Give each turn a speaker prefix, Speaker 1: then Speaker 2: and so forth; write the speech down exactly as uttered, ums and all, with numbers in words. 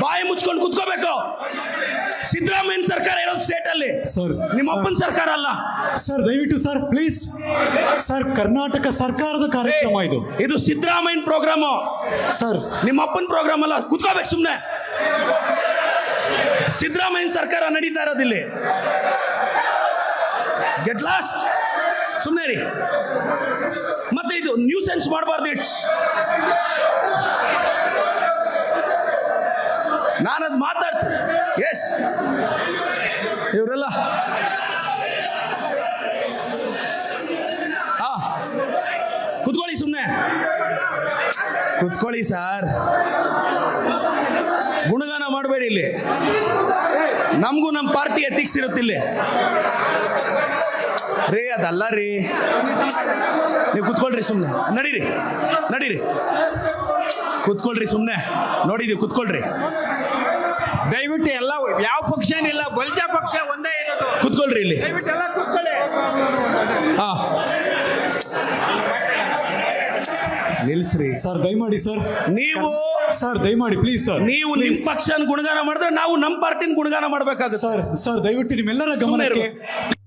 Speaker 1: ಬಾಯಿ ಮುಚ್ಕೊಂಡು ಕುತ್ಕೋಬೇಕು. ಸಿದ್ದರಾಮಯ್ಯ ಸರ್ಕಾರ ಇರೋದು ಸ್ಟೇಟ್ ಅಲ್ಲಿ,
Speaker 2: ಸರ್
Speaker 1: ನಿಮ್ಮ ಅಪ್ಪನ ಸರ್ಕಾರ ಅಲ್ಲ
Speaker 2: ಸರ್. ದಯವಿಟ್ಟು ಸರ್ ಪ್ಲೀಸ್ ಸರ್, ಕರ್ನಾಟಕ ಸರ್ಕಾರದ ಕಾರ್ಯಕ್ರಮ ಇದು.
Speaker 1: ಇದು ಸಿದ್ದರಾಮಯ್ಯ ಪ್ರೋಗ್ರಾಮು
Speaker 2: ಸರ್,
Speaker 1: ನಿಮ್ಮ ಅಪ್ಪನ ಪ್ರೋಗ್ರಾಮ್ ಅಲ್ಲ. ಕುತ್ಕೋಬೇಕು ಸುಮ್ನೆ. ಸಿದ್ದರಾಮಯ್ಯ ಸರ್ಕಾರ ನಡೀತಾ ಇರೋದಿಲ್ಲಿ. Get lost. ಸುಮ್ನೆ ರೀ. ಮತ್ತೆ ಇದು ನ್ಯೂ ಸೆನ್ಸ್ ಮಾಡಬಾರ್ದು. ಇಟ್ಸ್ ನಾನದು ಮಾತಾಡ್ತೀನಿ. ಎಸ್, ಇವರೆಲ್ಲ ಹಾ ಕುತ್ಕೊಳ್ಳಿ, ಸುಮ್ಮನೆ ಕುತ್ಕೊಳ್ಳಿ ಸರ್. ಗುಣಗಾನ ಮಾಡಬೇಡಿ ಇಲ್ಲಿ. ನಮಗೂ ನಮ್ಮ ಪಾರ್ಟಿ ಎಥಿಕ್ಸ್ ಇರುತ್ತಿಲ್ಲಿ ರೇ. ಅದಲ್ಲ ರೀ, ನೀವು ಕುತ್ಕೊಳ್ರಿ ಸುಮ್ಮನೆ. ನಡೀರಿ ನಡೀರಿ, ಕುತ್ಕೊಳ್ರಿ ಸುಮ್ಮನೆ. ನೋಡಿದೀವಿ, ಕುತ್ಕೊಳ್ರಿ
Speaker 3: ದಯವಿಟ್ಟು. ಎಲ್ಲ ಯಾವ ಪಕ್ಷನಿಲ್ಲ, ಬಲ್ಜ ಪಕ್ಷ ಒಂದೇ ಇರೋದು.
Speaker 1: ಕುತ್ಕೊಳ್ರಿ ಇಲ್ಲಿ.
Speaker 3: ದಯವಿಟ್ಟು ಎಲ್ಲ ಕೂತ್ಕೊಳ್ಳಿ.
Speaker 1: ಹಾ ನಿಲ್ಸ್ರಿ
Speaker 2: ಸರ್ ದಯಮಾಡಿ ಸರ್.
Speaker 1: ನೀವು
Speaker 2: ಸರ್ ದಯಮಾಡಿ ಪ್ಲೀಸ್ ಸರ್.
Speaker 1: ನೀವು ನಿಮ್ ಪಕ್ಷನ ಗುಣಗಾನ ಮಾಡಿದ್ರೆ ನಾವು ನಮ್ಮ ಪಾರ್ಟಿನ ಗುಣಗಾನ ಮಾಡ್ಬೇಕಾಗುತ್ತೆ
Speaker 2: ಸರ್. ಸರ್ ದಯವಿಟ್ಟು ನಿಮ್ಮೆಲ್ಲರ ಗಮನಕ್ಕೆ